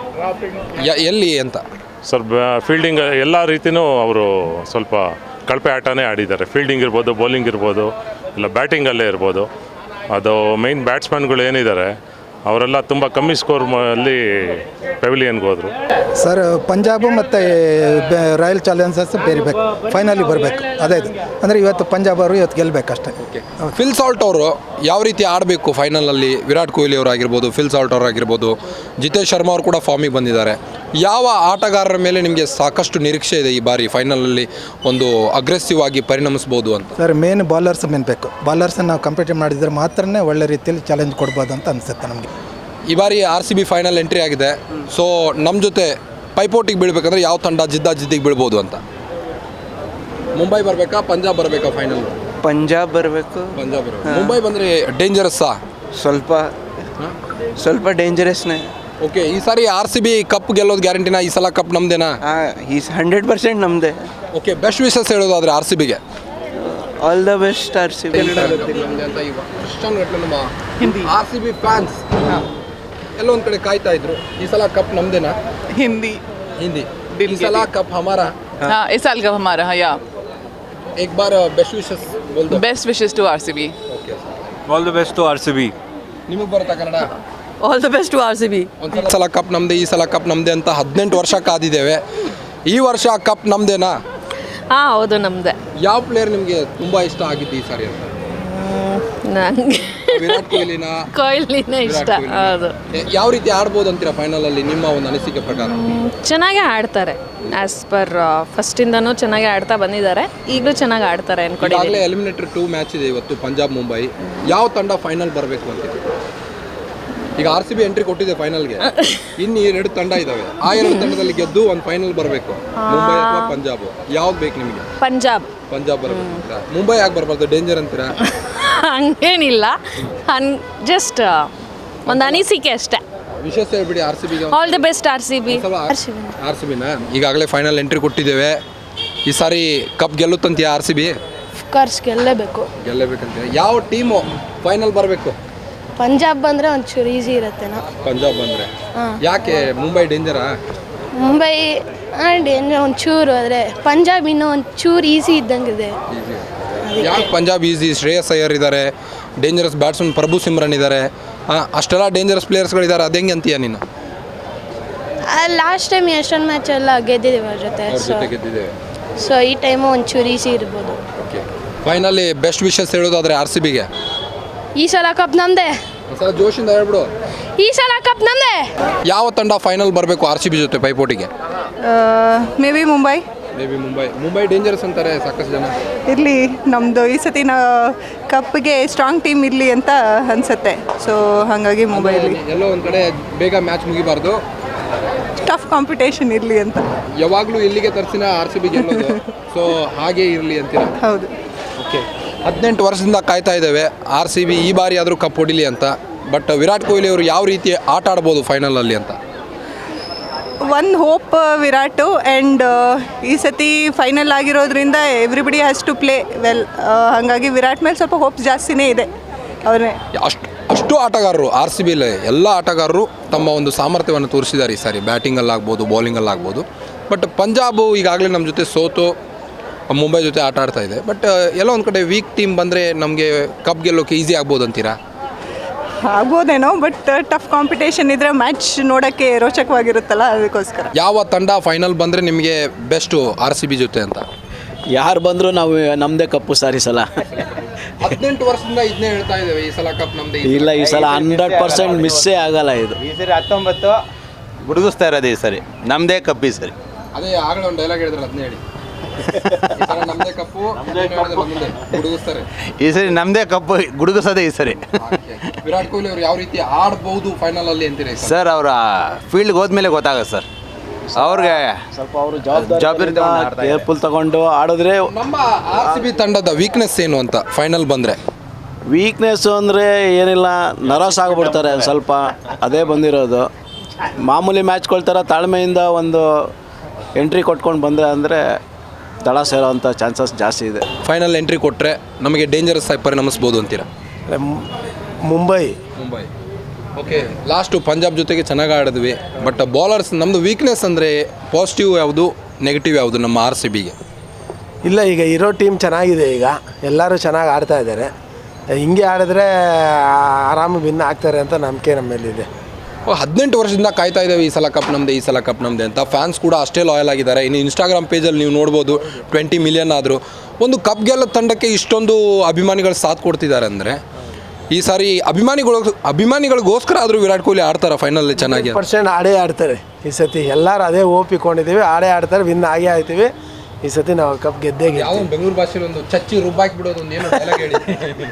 [SPEAKER 1] ಎಲ್ಲಿ ಅಂತ?
[SPEAKER 7] ಸರ್ ಫೀಲ್ಡಿಂಗ್ ಎಲ್ಲ ರೀತಿಯೂ ಅವರು ಸ್ವಲ್ಪ ಕಳಪೆ ಆಟನೇ ಆಡಿದ್ದಾರೆ. ಫೀಲ್ಡಿಂಗ್ ಇರ್ಬೋದು, ಬೌಲಿಂಗ್ ಇರ್ಬೋದು, ಇಲ್ಲ ಬ್ಯಾಟಿಂಗಲ್ಲೇ ಇರ್ಬೋದು. ಅದು ಮೇಯ್ನ್ ಬ್ಯಾಟ್ಸ್ಮನ್ಗಳು ಏನಿದ್ದಾರೆ ಅವರೆಲ್ಲ ತುಂಬ ಕಮ್ಮಿ ಸ್ಕೋರ್ ಅಲ್ಲಿ ಪೆವಿಲಿಯನ್ಗೆ ಹೋದರು.
[SPEAKER 11] ಸರ್ ಪಂಜಾಬು ಮತ್ತು ರಾಯಲ್ ಚಾಲೆಂಜರ್ಸ್ ಬೇರಿಬೇಕು, ಫೈನಲಿ ಬರಬೇಕು. ಅದೇ ಇದು ಅಂದರೆ ಇವತ್ತು ಪಂಜಾಬ್ ಅವರು ಇವತ್ತು ಗೆಲ್ಲಬೇಕು ಅಷ್ಟೇ.
[SPEAKER 1] ಫಿಲ್ ಸಾಲ್ಟ್ ಅವರು ಯಾವ ರೀತಿ ಆಡಬೇಕು ಫೈನಲಲ್ಲಿ? ವಿರಾಟ್ ಕೊಹ್ಲಿ ಅವರಾಗಿರ್ಬೋದು, ಫಿಲ್ ಸಾಲ್ಟ್ ಅವರಾಗಿರ್ಬೋದು, ಜಿತೇಶ್ ಶರ್ಮಾ ಅವರು ಕೂಡ ಫಾರ್ಮಿಗೆ ಬಂದಿದ್ದಾರೆ. ಯಾವ ಆಟಗಾರರ ಮೇಲೆ ನಿಮಗೆ ಸಾಕಷ್ಟು ನಿರೀಕ್ಷೆ ಇದೆ ಈ ಬಾರಿ ಫೈನಲಲ್ಲಿ ಒಂದು ಅಗ್ರೆಸಿವ್ ಆಗಿ ಪರಿಣಮಿಸ್ಬೋದು ಅಂತ?
[SPEAKER 11] ಸರ್ ಮೇನ್ ಬಾಲರ್ಸ್ ಬೇಕು. ಬಾಲರ್ಸನ್ನು ನಾವು ಕಂಪೀಟ್ ಮಾಡಿದರೆ ಮಾತ್ರನೇ ಒಳ್ಳೆ ರೀತಿಯಲ್ಲಿ ಚಾಲೆಂಜ್ ಕೊಡ್ಬೋದು ಅಂತ ಅನಿಸುತ್ತೆ ನಮಗೆ.
[SPEAKER 1] ಈ ಬಾರಿ RCB ಫೈನಲ್ ಎಂಟ್ರಿ ಆಗಿದೆ. ಸೊ ನಮ್ಮ ಜೊತೆ ಪೈಪೋಟಿಗೆ ಬೀಳ್ಬೇಕಂದ್ರೆ ಯಾವ ತಂಡ ಜಿದ್ದಿಗೆ ಬೀಳ್ಬೋದು ಅಂತ? ಮುಂಬೈ ಬರಬೇಕಾ ಪಂಜಾಬ್ ಬರಬೇಕಾ ಫೈನಲ್?
[SPEAKER 8] ಪಂಜಾಬ್ ಬರಬೇಕು.
[SPEAKER 1] ಪಂಜಾಬ್ ಮುಂಬೈ ಬಂದರೆ ಡೇಂಜರಸ್ಸಾ?
[SPEAKER 8] ಸ್ವಲ್ಪ ಡೇಂಜರಸ್ನೇ.
[SPEAKER 1] ಓಕೆ, ಈ ಸಾರಿ RCB ಕಪ್ ಗೆಲ್ಲೋದು ಗ್ಯಾರಂಟಿನಾ? ಈ ಸಲ ಕಪ್ ನಮ್ದೇನಾ?
[SPEAKER 8] 100% ನಮ್ಮದೇ.
[SPEAKER 1] ಓಕೆ, ಬೆಸ್ಟ್ ವಿಶಸ್ ಹೇಳೋದಾದರೆ RCBಗೆ
[SPEAKER 8] all the best RCB.
[SPEAKER 1] RCB fans ಎಲ್ಲೋ ಒಂದು ಕಡೆ ಕಾಯ್ತಾ ಇದ್ರು, ಈ ಸಲ ಕಪ್ ನಮ್ದೇನಾ?
[SPEAKER 12] हिंदी
[SPEAKER 1] ಈ ಸಲ ಕಪ್ ಹಮಾರಾ?
[SPEAKER 12] हाँ, इस साल का हमारा हाँ या
[SPEAKER 1] एक बार बेस्ट विशेस बोल दो.
[SPEAKER 12] Best wishes to RCB.
[SPEAKER 1] Okay,
[SPEAKER 10] all the best to RCB.
[SPEAKER 1] ನಿಮಗೆ ಬರುತ್ತಾ Kannada?
[SPEAKER 5] All the best to RCB.
[SPEAKER 1] ಒಂದು ಸಲ ಕಪ್ ನಮ್ಮದೇ, ಈ ಸಲ ಕಪ್ ನಮ್ಮದೇ ಅಂತ 18 ವರ್ಷ ಕಾದಿದ್ದೇವೆ. ಈ ವರ್ಷ ಕಪ್ ನಮ್ಮದೇನಾ?
[SPEAKER 5] ಹಾಂ ಹೌದು ನಮ್ಮದೇ.
[SPEAKER 1] ಯಾವ ಪ್ಲೇಯರ್ ನಿಮಗೆ ತುಂಬ ಇಷ್ಟ ಆಗಿದ್ದು ಈ ಸಾರಿ ಅಂತ?
[SPEAKER 5] ನಂಗೆ
[SPEAKER 1] ವಿರಾಟ್ ಕೊಹ್ಲಿನ
[SPEAKER 3] ಕೊಹ್ಲಿನೇ ಇಷ್ಟ.
[SPEAKER 1] ವಿರಾಟ್ ಕೊಹ್ಲಿನ?
[SPEAKER 3] ಹೌದು,
[SPEAKER 1] ಯಾವ ರೀತಿ ಆಡ್ಬೋದು ಅಂತೀರಾ ಫೈನಲ್ ಅಲ್ಲಿ ನಿಮ್ಮ ಒಂದು ಅನಿಸಿಕೆ ಪ್ರಕಾರ?
[SPEAKER 5] ಚೆನ್ನಾಗೇ ಆಡ್ತಾರೆ. ಆ್ಯಸ್ ಪರ್ ಫಸ್ಟಿಂದನೂ ಚೆನ್ನಾಗಿ ಆಡ್ತಾ ಬಂದಿದ್ದಾರೆ, ಈಗಲೂ ಚೆನ್ನಾಗಿ ಆಡ್ತಾರೆ ಅನ್ಕೊಂಡಿದ್ದೀನಿ.
[SPEAKER 1] ಈಗಾಗಲೇ ಎಲಿಮಿನೇಟರ್ 2 ಮ್ಯಾಚ್ ಇದೆ ಇವತ್ತು, ಪಂಜಾಬ್ ಮುಂಬೈ. ಯಾವ ತಂಡ ಫೈನಲ್ ಬರಬೇಕು ಅಂತೀರಿ? ಈಗ RCB ಎಂಟ್ರಿ ಕೊಟ್ಟಿದೆ ಫೈನಲ್ಗೆ, ಇನ್ನು 2 ತಂಡ ಇದಾವೆ. ಆ 2 ತಂಡದಲ್ಲಿ ಗೆದ್ದು ಒಂದು ಫೈನಲ್ ಬರಬೇಕು, ಮುಂಬೈ ಅಥವಾ ಪಂಜಾಬ್. ಯಾವ್ದು ಬೇಕು ನಿಮಗೆ?
[SPEAKER 5] ಪಂಜಾಬ್
[SPEAKER 1] ಬರಬೇಕು ಅಂತೀರಾ? ಮುಂಬೈ ಯಾಕೆ ಬರಬಾರ್ದು, ಡೇಂಜರ್ ಅಂತೀರಾ?
[SPEAKER 5] ಹಂಗೇನಿಲ್ಲ, ಜಸ್ಟ್ ಒಂದು ಅನಿಸಿಕೆ ಅಷ್ಟೇ.
[SPEAKER 1] ವಿಶೇಷ ಹೇಳ್ಬಿಡಿ RCB ಗೆ.
[SPEAKER 5] All the best RCB.
[SPEAKER 1] RCB ನ ಈಗಾಗಲೇ ಫೈನಲ್ ಎಂಟ್ರಿ ಕೊಟ್ಟಿದ್ದೇವೆ. ಈ ಸಾರಿ ಕಪ್ ಗೆಲ್ಲುತ್ತಂತೀಯ RCB?
[SPEAKER 5] ಕೋರ್ಸ್ ಗೆಲ್ಲಬೇಕು.
[SPEAKER 1] ಗೆಲ್ಲಬೇಕಂತೀಯ? ಯಾವ ಟೀಮು ಫೈನಲ್ ಬರಬೇಕು?
[SPEAKER 5] ಪಂಜಾಬ್ ಬಂದರೆ ಒಂಚೂರು ಈಸಿ ಇರುತ್ತೇನೋ.
[SPEAKER 1] ಪಂಜಾಬ್ ಬಂದರೆ ಯಾಕೆ? ಮುಂಬೈ ಡೇಂಜರಾ?
[SPEAKER 5] ಮುಂಬೈ ಒಂಚೂರು ಆದರೆ ಪಂಜಾಬ್ ಇನ್ನೂ ಒಂಚೂರು ಈಸಿ ಇದ್ದಂಗಿದೆ.
[SPEAKER 1] ಯಾಕೆ ಪಂಜಾಬ್ ಈಸಿ? ಶ್ರೇಯಸ್ ಅಯ್ಯರ್ ಇದ್ದಾರೆ, ಡೇಂಜರಸ್ ಬ್ಯಾಟ್ಸ್ಮನ್ ಪ್ರಭು ಸಿಮ್ರನ್ ಇದ್ದಾರೆ, ಅಷ್ಟೆಲ್ಲ ಡೇಂಜರಸ್ ಪ್ಲೇಯರ್ಸ್ಗಳಿದ್ದಾರೆ. ಅದು ಹೆಂಗೆ ಅಂತೀಯ ನೀನು?
[SPEAKER 5] ಲಾಸ್ಟ್ ಟೈಮ್ ಎಷ್ಟೊಂದು ಮ್ಯಾಚ್ ಎಲ್ಲ ಗೆದ್ದಿದ್ದೀವಿ ಅವ್ರ ಜೊತೆ.
[SPEAKER 1] ಗೆದ್ದಿದ್ದೇವೆ.
[SPEAKER 5] ಸೊ ಈ ಟೈಮು ಒಂಚೂರು ಈಸಿ ಇರ್ಬೋದು.
[SPEAKER 1] ಓಕೆ, ಫೈನಲಿ ಬೆಸ್ಟ್ ವಿಶಸ್ ಹೇಳೋದಾದ್ರೆ RCBಗೆ
[SPEAKER 5] ಈ ಸಲ ಕಪ್ ನಮ್ಮದೇ.
[SPEAKER 1] ಒಂದ್ಸಲ ಜೋಶಿಂದ ಹೇಳ್ಬಿಡು.
[SPEAKER 5] ಈ ಸಲ ಕಪ್ ನಮ್ಮದೇ.
[SPEAKER 1] ಯಾವ ತಂಡ ಫೈನಲ್ ಬರಬೇಕು RCB ಜೊತೆ ಪೈಪೋಟಿಗೆ?
[SPEAKER 12] Maybe Mumbai.
[SPEAKER 1] Mumbai dangerous ಅಂತಾರೆ ಸಾಕಷ್ಟು ಜನ.
[SPEAKER 12] ಇರಲಿ, ನಮ್ಮದು ಈ ಸತಿನ ಕಪ್ಗೆ ಸ್ಟ್ರಾಂಗ್ ಟೀಮ್ ಇರಲಿ ಅಂತ ಅನಿಸುತ್ತೆ. ಸೊ ಹಾಗಾಗಿ ಮುಂಬೈಲಿ
[SPEAKER 1] ಎಲ್ಲೋ ಒಂದು ಕಡೆ ಬೇಗ ಮ್ಯಾಚ್ ಮುಗಿಬಾರ್ದು,
[SPEAKER 12] ಟಫ್ ಕಾಂಪಿಟೇಷನ್ ಇರಲಿ ಅಂತ.
[SPEAKER 1] ಯಾವಾಗಲೂ ಇಲ್ಲಿಗೆ ತರಿಸಿನ RCB ಗೆಲ್ಲೋದು, ಸೊ ಹಾಗೆ ಇರಲಿ ಅಂತೀರಾ?
[SPEAKER 12] ಹೌದು.
[SPEAKER 1] ಓಕೆ, 18 ವರ್ಷದಿಂದ ಕಾಯ್ತಾ ಇದ್ದೇವೆ RCB ಈ ಬಾರಿ ಆದರೂ ಕಪ್ ಹೊಡಿಲಿ ಅಂತ. ಬಟ್ ವಿರಾಟ್ ಕೊಹ್ಲಿ ಅವರು ಯಾವ ರೀತಿ ಆಟ ಆಡ್ಬೋದು ಫೈನಲಲ್ಲಿ ಅಂತ?
[SPEAKER 12] ಒನ್ ಹೋಪ್ ವಿರಾಟು, ಆ್ಯಂಡ್ ಈ ಸತಿ ಫೈನಲ್ ಆಗಿರೋದ್ರಿಂದ everybody has to play well. ಹಾಗಾಗಿ ವಿರಾಟ್ ಮೇಲೆ ಸ್ವಲ್ಪ ಹೋಪ್ಸ್ ಜಾಸ್ತಿನೇ ಇದೆ. ಅವರೇ
[SPEAKER 1] ಅಷ್ಟು ಆಟಗಾರರು RCBಲಿ ಎಲ್ಲ ಆಟಗಾರರು ತಮ್ಮ ಒಂದು ಸಾಮರ್ಥ್ಯವನ್ನು ತೋರಿಸಿದ್ದಾರೆ ಈ ಸಾರಿ, ಬ್ಯಾಟಿಂಗಲ್ಲಾಗ್ಬೋದು, ಬೌಲಿಂಗಲ್ಲಾಗ್ಬೋದು. ಬಟ್ ಪಂಜಾಬು ಈಗಾಗಲೇ ನಮ್ಮ ಜೊತೆ ಸೋತು ಮುಂಬೈ ಜೊತೆ ಆಟ ಆಡ್ತಾ ಇದೆ. ಬಟ್ ಎಲ್ಲೋ ಒಂದು ಕಡೆ ವೀಕ್ ಟೀಮ್ ಬಂದರೆ ನಮಗೆ ಕಪ್ ಗೆಲ್ಲೋಕೆ ಈಸಿ ಆಗ್ಬೋದು ಅಂತೀರಾ?
[SPEAKER 12] ಆಗ್ಬೋದೇನೋ, ಬಟ್ ಟಫ್ ಕಾಂಪಿಟೇಷನ್ ಇದ್ರೆ ಮ್ಯಾಚ್ ನೋಡೋಕ್ಕೆ ರೋಚಕವಾಗಿರುತ್ತಲ್ಲ, ಅದಕ್ಕೋಸ್ಕರ.
[SPEAKER 1] ಯಾವ ತಂಡ ಫೈನಲ್ ಬಂದರೆ ನಿಮಗೆ ಬೆಸ್ಟು RCB ಜೊತೆ ಅಂತ?
[SPEAKER 9] ಯಾರು ಬಂದರೂ ನಾವು ನಮ್ಮದೇ ಕಪ್ಪು ಸಾರಿ ಸಲ.
[SPEAKER 1] 18 ವರ್ಷದಿಂದ ಇದನ್ನೇ ಹೇಳ್ತಾ ಇದ್ದೇವೆ, ಈ ಸಲ ಕಪ್ ನಮ್ಮದೇ.
[SPEAKER 9] ಇಲ್ಲ, ಈ ಸಲ 100% ಮಿಸ್ಸೇ ಆಗಲ್ಲ. ಇದು
[SPEAKER 10] ಈ ಸರಿ 19 ಗುಡುಗಿಸ್ತಾ ಇರೋದು, ಈ ಸರಿ ನಮ್ಮದೇ ಕಪ್. ಈ ಸರಿ
[SPEAKER 1] ಅದೇ ಆಗಲೇ ಒಂದು ಡೈಲಾಗ್ ಹೇಳಿದ್ರೆ ಅದನ್ನೇ ಹೇಳಿ. ನಮ್ಮದೇ ಕಪ್ಪು ಗುಡುಗಿಸ್ತಾರೆ.
[SPEAKER 10] ಈ ಸರಿ ನಮ್ಮದೇ ಕಪ್ ಗುಡುಗಿಸೋದೇ ಈ ಸರಿ.
[SPEAKER 1] ವಿರಾಟ್ ಕೊಹ್ಲಿ ಅವರು ಯಾವ ರೀತಿ ಆಡ್ಬಹುದು ಫೈನಲ್ ಅಲ್ಲಿ ಅಂತೀರಾ
[SPEAKER 10] ಸರ್? ಅವರ ಫೀಲ್ಡ್ಗೆ ಹೋದ್ಮೇಲೆ ಗೊತ್ತಾಗುತ್ತೆ ಸರ್. ಅವ್ರಿಗೆ
[SPEAKER 9] ಸ್ವಲ್ಪ ಅವರು ಜವಾಬ್ದಾರಿ ಕೇರ್ಫುಲ್ ತಗೊಂಡು ಆಡಿದ್ರೆ.
[SPEAKER 1] ನಮ್ಮ RCB ತಂಡದ ವೀಕ್ನೆಸ್ ಏನು ಅಂತ ಫೈನಲ್ ಬಂದರೆ?
[SPEAKER 9] ವೀಕ್ನೆಸ್ಸು ಅಂದರೆ ಏನಿಲ್ಲ, ನರ್ವಸ್ ಆಗಿಬಿಡ್ತಾರೆ ಸ್ವಲ್ಪ, ಅದೇ ಬಂದಿರೋದು. ಮಾಮೂಲಿ ಮ್ಯಾಚ್ಗಳ ಥರ ತಾಳ್ಮೆಯಿಂದ ಒಂದು ಎಂಟ್ರಿ ಕೊಟ್ಕೊಂಡು ಬಂದರೆ ಅಂದರೆ ದಳ ಸೇರೋವಂಥ ಚಾನ್ಸಸ್ ಜಾಸ್ತಿ ಇದೆ.
[SPEAKER 1] ಫೈನಲ್ ಎಂಟ್ರಿ ಕೊಟ್ಟರೆ ನಮಗೆ ಡೇಂಜರಸ್ ಆಗಿ ಪರಿಣಮಿಸ್ಬೋದು ಅಂತೀರಾ?
[SPEAKER 11] ಮುಂಬೈ.
[SPEAKER 1] ಓಕೆ, ಲಾಸ್ಟು ಪಂಜಾಬ್ ಜೊತೆಗೆ ಚೆನ್ನಾಗಿ ಆಡಿದ್ವಿ. ಬಟ್ ಬೌಲರ್ಸ್ ನಮ್ಮದು ವೀಕ್ನೆಸ್ ಅಂದರೆ ಪಾಸಿಟಿವ್ ಯಾವುದು, ನೆಗೆಟಿವ್ ಯಾವುದು ನಮ್ಮ RCBಗೆ?
[SPEAKER 11] ಇಲ್ಲ, ಈಗ ಇರೋ ಟೀಮ್ ಚೆನ್ನಾಗಿದೆ, ಈಗ ಎಲ್ಲರೂ ಚೆನ್ನಾಗಿ ಆಡ್ತಾ ಇದ್ದಾರೆ. ಹಿಂಗೆ ಆಡಿದ್ರೆ ಆರಾಮ ವಿನ್ ಆಗ್ತಾರೆ ಅಂತ ನಂಬಿಕೆ ನಮ್ಮ ಮೇಲಿದೆ.
[SPEAKER 1] 18 ವರ್ಷದಿಂದ ಕಾಯ್ತಾ ಇದ್ದೇವೆ ಈ ಸಲ ಕಪ್ ನಮ್ಮದೇ, ಈ ಸಲ ಕಪ್ ನಮ್ಮದೇ ಅಂತ. ಫ್ಯಾನ್ಸ್ ಕೂಡ ಅಷ್ಟೇ ಲಾಯಲ್ ಆಗಿದ್ದಾರೆ. ಇನ್ನು ಇನ್ಸ್ಟಾಗ್ರಾಮ್ ಪೇಜಲ್ಲಿ ನೀವು ನೋಡ್ಬೋದು 20 ಮಿಲಿಯನ್ ಆದರೂ. ಒಂದು ಕಪ್ ಗೆಲ್ಲೋ ತಂಡಕ್ಕೆ ಇಷ್ಟೊಂದು ಅಭಿಮಾನಿಗಳು ಸಾಥ್ ಕೊಡ್ತಿದ್ದಾರೆ ಅಂದರೆ ಈ ಸಾರಿ ಅಭಿಮಾನಿಗಳಿಗೋಸ್ಕರ ಆದರೂ ವಿರಾಟ್ ಕೊಹ್ಲಿ ಆಡ್ತಾರೆ ಫೈನಲ್ ಚೆನ್ನಾಗಿ?
[SPEAKER 11] % ಆಡೇ ಆಡ್ತಾರೆ ಈ ಸತಿ. ಎಲ್ಲರೂ ಅದೇ ಒಪ್ಪಿಕೊಂಡಿದ್ದೀವಿ, ಆಡೇ ಆಡ್ತಾರೆ, ವಿನ್ ಆಗೇ ಆಯ್ತೀವಿ ಈ ಸತಿ. ನಾವು ಕಪ್ ಗೆದ್ದೇ
[SPEAKER 1] ಯಾವ ಬೆಂಗಳೂರು ಭಾಷೆಯಲ್ಲಿ ಒಂದು ಚಚ್ಚಿ ರುಬ್ಬಾಕಿ ಬಿಡೋದು ಒಂದು ಏನು ಡೈಲಾಗ್ ಹೇಳಿ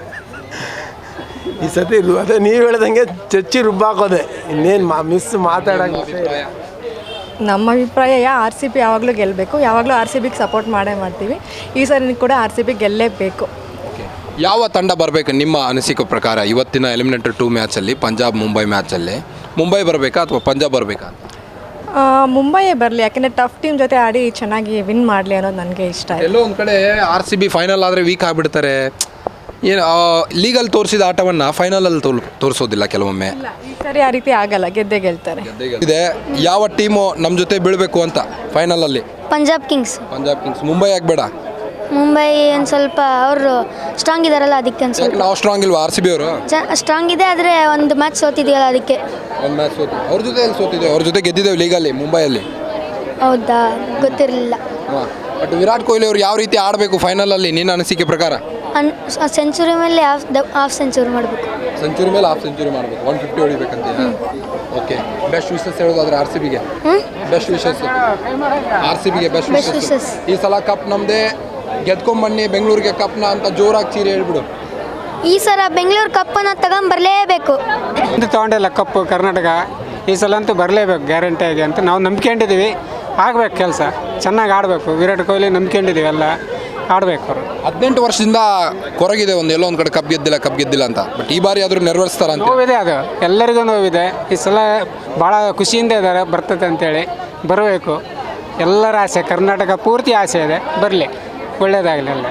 [SPEAKER 11] ಈ ಸತಿ. ಅದೇ ನೀವು ಹೇಳ್ದಂಗೆ ಚಚ್ಚಿ ರುಬ್ಬಾಕೋದೆ, ಇನ್ನೇನು ಮಿಸ್ ಮಾತಾಡೋಂಗೆ.
[SPEAKER 4] ನಮ್ಮ ಅಭಿಪ್ರಾಯ RCB ಯಾವಾಗಲೂ ಗೆಲ್ಲಬೇಕು, ಯಾವಾಗಲೂ RCBಗೆ ಸಪೋರ್ಟ್ ಮಾಡೇ ಮಾಡ್ತೀವಿ. ಈ ಸರಿ ಕೂಡ RCB ಗೆಲ್ಲೇಬೇಕು.
[SPEAKER 1] ಯಾವ ತಂಡ ಬರಬೇಕು ನಿಮ್ಮ ಅನಿಸಿಕೆ ಪ್ರಕಾರ ಇವತ್ತಿನ ಎಲಿಮಿನೇಟರ್ 2 ಮ್ಯಾಚಲ್ಲಿ, ಪಂಜಾಬ್ ಮುಂಬೈ ಮ್ಯಾಚಲ್ಲಿ? ಮುಂಬೈ ಬರಬೇಕಾ ಅಥವಾ ಪಂಜಾಬ್ ಬರಬೇಕಾ?
[SPEAKER 4] ಮುಂಬೈಯೇ ಬರಲಿ, ಯಾಕೆಂದರೆ ಟಫ್ ಟೀಮ್ ಜೊತೆ ಆಡಿ ಚೆನ್ನಾಗಿ ವಿನ್ ಮಾಡಲಿ ಅನ್ನೋದು ನನಗೆ ಇಷ್ಟ.
[SPEAKER 1] ಎಲ್ಲೋ ಒಂದು ಕಡೆ RCB ಫೈನಲ್ ಆದರೆ ವೀಕ್ ಆಗಿಬಿಡ್ತಾರೆ. ಏನು ಲೀಗಲ್ಲಿ ತೋರಿಸಿದ ಆಟವನ್ನು ಫೈನಲಲ್ಲಿ ತೋರಿಸೋದಿಲ್ಲ ಕೆಲವೊಮ್ಮೆ.
[SPEAKER 4] ಈ ಸರಿ ಆ ರೀತಿ ಆಗಲ್ಲ, ಗೆದ್ದೇ ಗೆಲ್ತಾರೆ.
[SPEAKER 1] ಇದೆ ಯಾವ ಟೀಮು ನಮ್ಮ ಜೊತೆ ಬೀಳಬೇಕು ಅಂತ ಫೈನಲಲ್ಲಿ?
[SPEAKER 5] ಪಂಜಾಬ್ ಕಿಂಗ್ಸ್.
[SPEAKER 1] ಮುಂಬೈ ಯಾಕೆ ಬೇಡ?
[SPEAKER 5] ಮುಂಬೈ ಒಂದು ಸ್ವಲ್ಪ ಅವರು ಸ್ಟ್ರಾಂಗ್ ಇದಾರಲ್ಲ, ಅದಕ್ಕೆ ಒಂದು ಸ್ವಲ್ಪ.
[SPEAKER 1] ನಾವು ಸ್ಟ್ರಾಂಗ್ ಇಲ್ವಾ RCB ಅವರು?
[SPEAKER 5] ಸ್ಟ್ರಾಂಗ್ ಇದೆ, ಆದರೆ ಒಂದು ಮ್ಯಾಚ್ ಸೋತಿದೆಯಲ್ಲ ಅದಕ್ಕೆ.
[SPEAKER 1] ಒಂದು ಮ್ಯಾಚ್ ಸೋತಿ ಅವ್ರ ಜೊತೆ ಎಲ್ಲಿ ಸೋತಿದ್ದೇವೆ? ಅವ್ರ ಜೊತೆ ಗೆದ್ದಿದ್ದೇವೆ ಲೀಗಲ್ಲಿ, ಮುಂಬೈಯಲ್ಲಿ.
[SPEAKER 5] ಹೌದಾ, ಗೊತ್ತಿರಲಿಲ್ಲ.
[SPEAKER 1] ಬಟ್ ವಿರಾಟ್ ಕೊಹ್ಲಿ ಅವರು ಯಾವ ರೀತಿ ಆಡಬೇಕು ಫೈನಲಲ್ಲಿ ನಿನ್ನ ಅನಿಸಿಕೆ ಪ್ರಕಾರ?
[SPEAKER 13] ಸೆಂಚುರಿ ಮೇಲೆ ಹಾಫ್ ಸೆಂಚುರಿ ಮಾಡಬೇಕು.
[SPEAKER 1] ಸೆಂಚುರಿ ಮೇಲೆ ಹಾಫ್ ಸೆಂಚುರಿ ಮಾಡಬೇಕು, 150 ಹೊಡಿಬೇಕಂತ. ಓಕೆ, ಬೆಸ್ಟ್ ವಿಶಸ್ ಹೇಳೋದಾದ್ರೆ ಆರ್ ಸಿ ಬಿಗೆ ಬೆಸ್ಟ್ ವಿಶಸ್, ಆರ್ ಸಿ ಬಿಗೆ ಬೆಸ್ಟ್ ವಿಶಸ್. ಈ ಸಲ ಕಪ್ ನಮ್ಮದೇ, ಗೆದ್ಕೊಂಬನ್ನಿ ಬೆಂಗಳೂರಿಗೆ ಕಪ್ನ ಅಂತ ಜೋರಾಗಿ ಚೀರಿ ಹೇಳ್ಬಿಡು.
[SPEAKER 13] ಈ ಸಲ ಬೆಂಗಳೂರು ಕಪ್ಪನ್ನು ತಗೊಂಬರಲೇಬೇಕು.
[SPEAKER 14] ತೊಗೊಂಡಿಲ್ಲ ಕಪ್ಪು ಕರ್ನಾಟಕ, ಈ ಸಲ ಅಂತೂ ಬರಲೇಬೇಕು ಗ್ಯಾರಂಟಿಯಾಗಿ ಅಂತ ನಾವು ನಂಬ್ಕೊಂಡಿದ್ದೀವಿ. ಆಗಬೇಕು ಕೆಲಸ, ಚೆನ್ನಾಗಿ ಆಡಬೇಕು. ವಿರಾಟ್ ಕೊಹ್ಲಿ ನಂಬ್ಕೊಂಡಿದ್ದೀವಿ, ಎಲ್ಲ ಆಡಬೇಕು ಅವರು.
[SPEAKER 1] 18 ವರ್ಷದಿಂದ ಕೊರಗಿದೆ ಎಲ್ಲೋ ಒಂದು ಕಡೆ ಕಪ್ ಗೆದ್ದಿಲ್ಲ ಅಂತ. ಬಟ್ ಈ ಬಾರಿ ಆದರೂ ನೆರವೇರಿಸ್ತಾರ ಅಂತ.
[SPEAKER 14] ನೋವಿದೆ, ಅದು ಎಲ್ಲರಿಗೂ ನೋವಿದೆ. ಈ ಸಲ ಭಾಳ ಖುಷಿಯಿಂದ ಇದ್ದಾರೆ, ಬರ್ತದೆ ಅಂತೇಳಿ. ಬರಬೇಕು, ಎಲ್ಲರ ಆಸೆ, ಕರ್ನಾಟಕ ಪೂರ್ತಿ ಆಸೆ ಇದೆ, ಬರಲಿ, ಒಳ್ಳೇದಾಗಲಿ ಎಲ್ಲ.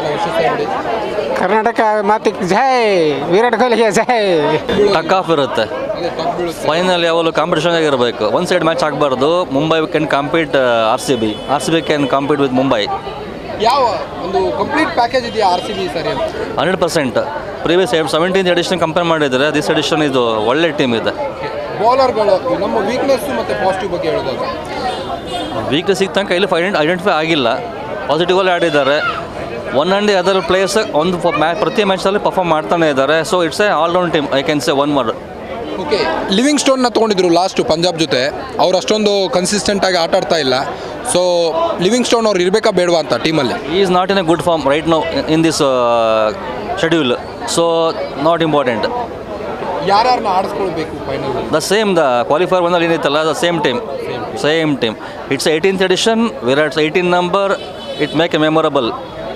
[SPEAKER 14] ಕರ್ನಾಟಕ ಮಾತಿಗೆ ಜೈ, ವಿರಾಟ್ ಕೊಹ್ಲಿಗೆ ಜೈ.
[SPEAKER 15] ಟಕ್ ಆಫ್ ಇರುತ್ತೆ, ಫೈನಲ್ ಯಾವಾಗಲೂ ಕಾಂಪಿಟೇಷನ್ ಆಗಿರಬೇಕು. ಒನ್ ಸೈಡ್ ಮ್ಯಾಚ್ ಆಗಬಾರ್ದು. Mumbai can compete R C B can compete with Mumbai.
[SPEAKER 1] ಯಾವ ಒಂದು ಕಂಪ್ಲೀಟ್ ಪ್ಯಾಕೇಜ್ ಇದೆಯಾ ಆರ್ ಸಿ ಬಿ ಸರಿ ಅಂತ?
[SPEAKER 15] 100%. ಪ್ರೀವಿಯಸ್ 17th ಎಡಿಷನ್ ಕಂಪೇರ್ ಮಾಡಿದರೆ ದಿಸ್ ಎಡಿಷನ್ ಇದು ಒಳ್ಳೆ ಟೀಮ್ ಇದೆ.
[SPEAKER 1] ಬೌಲರ್ಗಳು ನಮ್ಮ ವೀಕ್ನೆಸ್ ಮತ್ತು ಪಾಸಿಟಿವ್ ಬಗ್ಗೆ ಹೇಳೋದಾಗ,
[SPEAKER 15] ವೀಕ್ನೆಸ್ ಸಿಗ್ತಾ ಕೈಲಿ ಐಡೆಂಟಿಫೈ ಆಗಿಲ್ಲ. ಪಾಸಿಟಿವಲ್ಲಿ ಆಡಿದ್ದಾರೆ. One and the other players ಒಂದು ಪ್ರತಿ ಮ್ಯಾಚಲ್ಲಿ ಪರ್ಫಾರ್ಮ್ ಮಾಡ್ತಾನೆ ಇದ್ದಾರೆ. So it's a all round team, I can say one word.
[SPEAKER 1] Okay, ಲಿವಿಂಗ್ ಸ್ಟೋನ್ನ ತೊಗೊಂಡಿದ್ರು ಲಾಸ್ಟು ಪಂಜಾಬ್ ಜೊತೆ. ಅವ್ರು ಅಷ್ಟೊಂದು ಕನ್ಸಿಸ್ಟೆಂಟಾಗಿ ಆಟ ಆಡ್ತಾ ಇಲ್ಲ. ಸೊ ಲಿವಿಂಗ್ ಸ್ಟೋನ್ ಅವ್ರು ಇರಬೇಕಾ ಬೇಡವಾ ಅಂತ ಟೀಮಲ್ಲಿ?
[SPEAKER 15] ಈ is not in a good form right now in this schedule. So not important.
[SPEAKER 1] ಯಾರನ್ನ ಆಡಿಸ್ಕೊಳ್ಬೇಕು ಫೈನಲ್?
[SPEAKER 15] ದ ಸೇಮ್ ದ ಕ್ವಾಲಿಫೈರ್ ಒಂದಲ್ಲಿ ಏನಿತ್ತಲ್ಲ, the same team. It's 18th edition, Virat's 18 number. It make a memorable.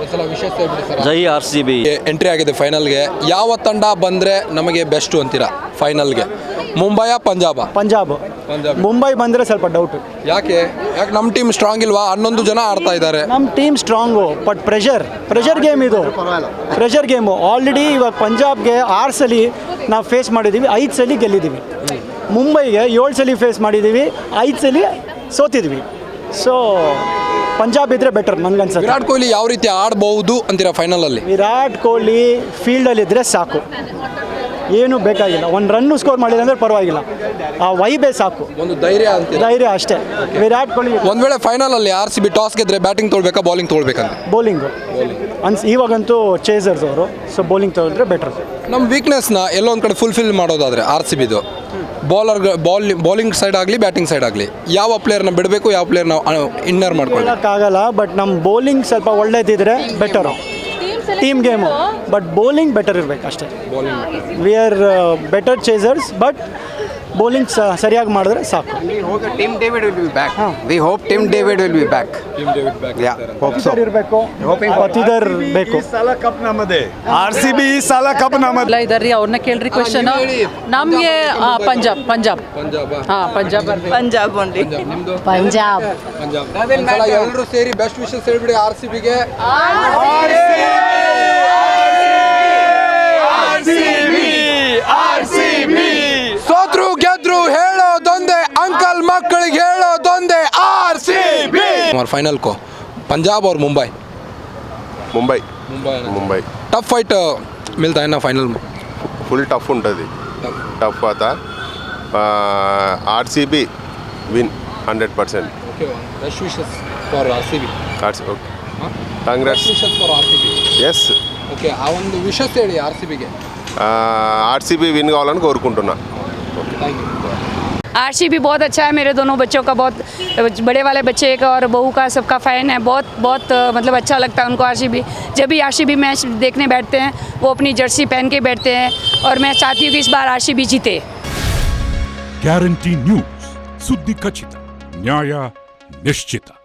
[SPEAKER 15] ಜೈ ಆರ್ ಸಿ ಬಿ.
[SPEAKER 1] ಎಂಟ್ರಿ ಆಗಿದೆ ಫೈನಲ್ಗೆ. ಯಾವ ತಂಡ ಬಂದರೆ ನಮಗೆ ಬೆಸ್ಟು ಅಂತೀರಾ ಫೈನಲ್ಗೆ? ಮುಂಬೈಯಾ ಪಂಜಾಬಾ?
[SPEAKER 16] ಪಂಜಾಬ್. ಮುಂಬೈ ಬಂದರೆ ಸ್ವಲ್ಪ ಡೌಟು.
[SPEAKER 1] ಯಾಕೆ ನಮ್ಮ ಟೀಮ್ ಸ್ಟ್ರಾಂಗ್ ಇಲ್ವಾ? 11 ಜನ ಆಡ್ತಾ ಇದ್ದಾರೆ.
[SPEAKER 16] ನಮ್ಮ team strong, but pressure game ಇದು. Pressure game. ಆಲ್ರೆಡಿ ಇವಾಗ ಪಂಜಾಬ್ಗೆ 6 ಸಲ ನಾವು ಫೇಸ್ ಮಾಡಿದ್ದೀವಿ, 5 ಸಲ ಗೆಲ್ಲಿದ್ದೀವಿ. ಮುಂಬೈಗೆ 7 ಸಲ ಫೇಸ್ ಮಾಡಿದ್ದೀವಿ, 5 ಸಲ ಸೋತಿದ್ವಿ. ಸೊ ಪಂಜಾಬ್ ಇದ್ರೆ ಬೆಟರ್ ನನಗನ್ಸುತ್ತೆ.
[SPEAKER 1] ವಿರಾಟ್ ಕೊಹ್ಲಿ ಯಾವ ರೀತಿ ಆಡಬಹುದು ಅಂತೀರಾ ಫೈನಲಲ್ಲಿ?
[SPEAKER 16] ವಿರಾಟ್ ಕೊಹ್ಲಿ ಫೀಲ್ಡಲ್ಲಿದ್ದರೆ ಸಾಕು, ಏನು ಬೇಕಾಗಿಲ್ಲ. ಒಂದು ರನ್ನು ಸ್ಕೋರ್ ಮಾಡಿಲ್ಲ ಅಂದರೆ ಪರವಾಗಿಲ್ಲ, ಆ ವೈಬೇ ಸಾಕು.
[SPEAKER 1] ಒಂದು ಧೈರ್ಯ
[SPEAKER 16] ಅಷ್ಟೇ. ವಿರಾಟ್ ಕೊಹ್ಲಿ
[SPEAKER 1] ಒಂದು ವೇಳೆ ಫೈನಲಲ್ಲಿ ಆರ್ ಸಿ ಬಿ ಟಾಸ್ ಗೆದ್ರೆ ಬ್ಯಾಟಿಂಗ್ ತೊಗೊಳ್ಬೇಕಾ ಬೌಲಿಂಗ್ ತೊಗೊಳ್ಬೇಕಂತ?
[SPEAKER 16] ಬೌಲಿಂಗು ಇವಾಗಂತೂ ಚೇಸರ್ಸ್ ಅವರು. So bowling better.
[SPEAKER 1] ನಮ್ಮ ವೀಕ್ನೆಸ್ನ ಎಲ್ಲೋ ಒಂದು ಕಡೆ ಫುಲ್ಫಿಲ್ ಮಾಡೋದಾದರೆ ಆರ್ ಸಿ ಬಿದು ಬೌಲಿಂಗ್ ಸೈಡ್ ಆಗಲಿ ಬ್ಯಾಟಿಂಗ್ ಸೈಡ್ ಆಗಲಿ, ಯಾವ ಪ್ಲೇಯರ್ನ ಬಿಡಬೇಕು, ಯಾವ ಪ್ಲೇಯರ್ನ ಇನ್ನರ್
[SPEAKER 16] ಮಾಡ್ಕೊಳ್ಳೋಕ್ಕಾಗಲ್ಲ. ಬಟ್ ನಮ್ಮ ಬೌಲಿಂಗ್ ಸ್ವಲ್ಪ ಒಳ್ಳೇದಿದ್ರೆ better. Team game, but bowling better ಇರಬೇಕು ಅಷ್ಟೇ. We are better chasers, but bowling ಸರಿಯಾಗಿ ಮಾಡಿದ್ರೆ ಸಾಕು.
[SPEAKER 17] Tim David will be back. We hope Tim David will be back.
[SPEAKER 16] ಇರಬೇಕು, ಪತಿದರ್ ಬೇಕು.
[SPEAKER 6] ಕಪ್ ನಮ್ಮದೇ. ಆರ್ ಸಿ ಬಿ ಈ ಸಲ ಕಪ್ ನಮ್ಮದೇ.
[SPEAKER 18] ಇದಾರ್ರಿ, ಅವ್ರನ್ನ ಕೇಳ್ರಿ ಕ್ವಶನ್. ನಮಗೆ ಪಂಜಾಬ್. ಹಾಂ, ಪಂಜಾಬ್ ಓನ್ಲಿ.
[SPEAKER 3] ಪಂಜಾಬ್.
[SPEAKER 1] ಎಲ್ಲರೂ ಸೇರಿ ಬೆಸ್ಟ್ ವಿಶಸ್ ಹೇಳ್ಬಿಡಿ ಆರ್ ಸಿ ಬಿಗೆ. ಸೋತ್ರು ಗೆದ್ರು ಹೇಳೋದೊಂದೇ, ಅಂಕಲ್ ಮಕ್ಕಳಿಗೆ ಹೇಳೋದೊಂದೇ, ಆರ್ ಸಿ ಬಿ. ಫೈನಲ್ ಕೋ पंजाब और मुंबई टफ फाइट मिलता है ना फाइनल में?
[SPEAKER 19] फुल टफ ఉంటుంది. टफ आता RCB win 100%.
[SPEAKER 1] Okay, best wishes for RCB.
[SPEAKER 19] Okay, Congress.
[SPEAKER 1] Best wishes for RCB.
[SPEAKER 19] Yes.
[SPEAKER 1] Okay, ಆ ಒಂದು ವಿಶೇಷ ಹೇಳಿ ಆರ್ಸಿಬಿಗೆ.
[SPEAKER 19] आरसीबी विन కావాలని కోరుకుంటున్నా.
[SPEAKER 1] Thank you.
[SPEAKER 20] आरसीबी बहुत अच्छा है. मेरे दोनों बच्चों का, बहुत बड़े वाले बच्चे का और बहू का, सबका फ़ैन है. बहुत मतलब अच्छा लगता है उनको आरसीबी. जब भी आरसीबी मैच देखने बैठते हैं वो अपनी जर्सी पहन के बैठते हैं और मैं चाहती हूँ कि इस बार आरसीबी जीते.
[SPEAKER 21] ಗ್ಯಾರಂಟಿ ನ್ಯೂಸ್, ಸುದ್ದಿ ಖಚಿತ, ನ್ಯಾಯ ನಿಶ್ಚಿತ.